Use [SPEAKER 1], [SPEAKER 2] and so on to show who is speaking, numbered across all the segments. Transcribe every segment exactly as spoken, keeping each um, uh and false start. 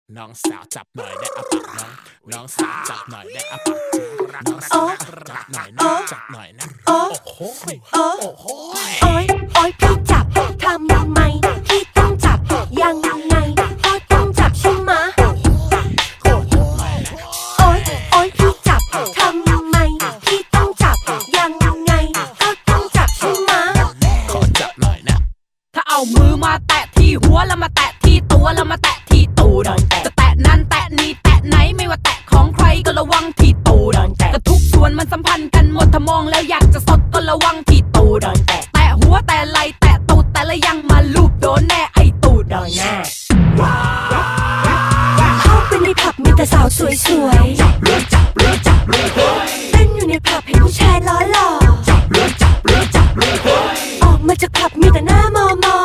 [SPEAKER 1] น้องสาวจับหน่อยได้อะปากน้องน้องสาวจับหน่อยได้อะปากน้องสาวจับหน่อยนะจับหน่อยนะโอ้โหโอ้โห
[SPEAKER 2] โอ๊ยโอ๊ยพี่จับทำยังไงพี่ต้องจับยังไงก็ต้องจับใช่ไหมะโอ๊ยโอ๊ยพี่จับทำยังไงพี่ต้องจับยังไงก็ต้องจับใช่ไหมะ
[SPEAKER 1] ขอจับหน่อยนะ
[SPEAKER 3] ถ้าเอามือมาแตะที่หัวแล้วมาแตะที่ตัวแล้วมาแตะที่ตูดจะแตะนั้นแตะนี้แตะไหนไม่ว่าแตะของใครก็ระวังที่ตูดก็ทุกส่วนมันสัมพันธ์กันหมดถ้ามองแล้วอยากจะสดก็ระวังที่ตูดแตะหัวแตะไหลแตะตูดแต่ละยังมาลูบโดนแน่ไอตูดแน่
[SPEAKER 2] เข้าไปในผับมีแต่สาวสวยๆเต้นอยู่ในผับเห็นผู้ชายล้อหล่อออกมาจากผับมีแต่หน้ามอมอ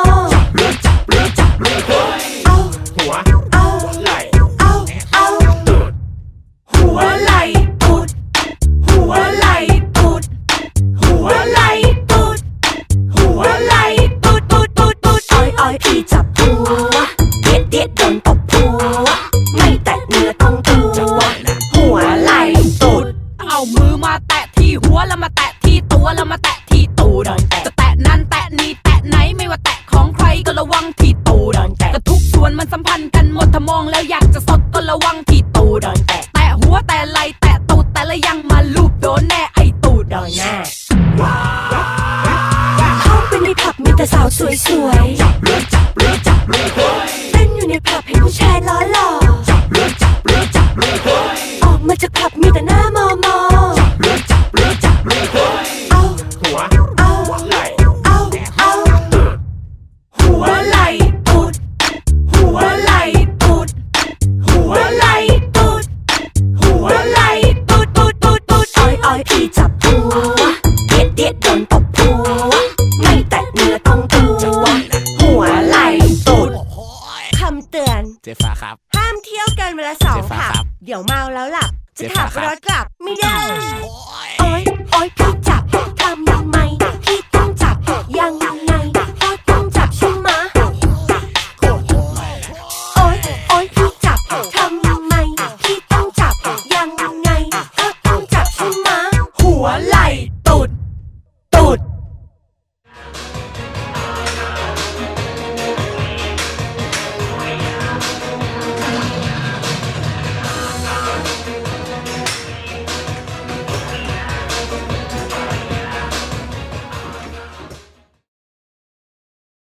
[SPEAKER 2] เอา
[SPEAKER 1] หัว
[SPEAKER 2] เอา
[SPEAKER 1] ไหล
[SPEAKER 2] เอาเอา
[SPEAKER 1] ตูด
[SPEAKER 2] หัวไหลตูดหัวไหลตูดหัวไหลตูดหัวไหลตูดตูดตูดตูดอ้อยอ้อยพี่จับหัวเด็ดเด็ดโดนตบหัวไม่แตะเนื้อต้องตัวหัวไหลตูด
[SPEAKER 3] เอามือมาแตะที่หัวแล้วมาแตะที่ตัวแล้วมาแตะที่ตูดจะแตะนั้นแตะนี้แตะไหนไม่ว่าแตะของใครก็ระวังที่ตูดก็ทุกส่วนมันสัมพันธ์กันหมดถ้ามองแล้วอยากจะสดก็ระวังที่ตูดแตะหัวแตะไหลแตะตูดแต่ละยังมาลูบโดนแน่ไอตูดแน่
[SPEAKER 2] เข้าไปในผับมีแต่สาวสวยๆเต้นอยู่ในผับเห็นผู้ชายล้อหล่อออกมาจากผับมีแต่หน้ามอมอเอา
[SPEAKER 1] หัว
[SPEAKER 2] เอา
[SPEAKER 1] ไหล
[SPEAKER 2] เอาเอาหัวไหลตูดหัวไหลตูดหัวไหลตูดหัวไหลตูดตูดตูดตูดอ้อยอ้อยพี่จับหัวเด็ดเด็ดโดนตบหัวไม่แตะเนื้อต้องตัวหัวไหลตูดคำเตือน
[SPEAKER 1] เจฟ้าครับ
[SPEAKER 2] ห้ามเที่ยวกันเวลาสองผับเดี๋ยวเมาแล้วหลับจะขับรถกลับไม่ได้โอ๊ยโอ๊ยพี่จับทำยังไงพี่ต้องจับยังไง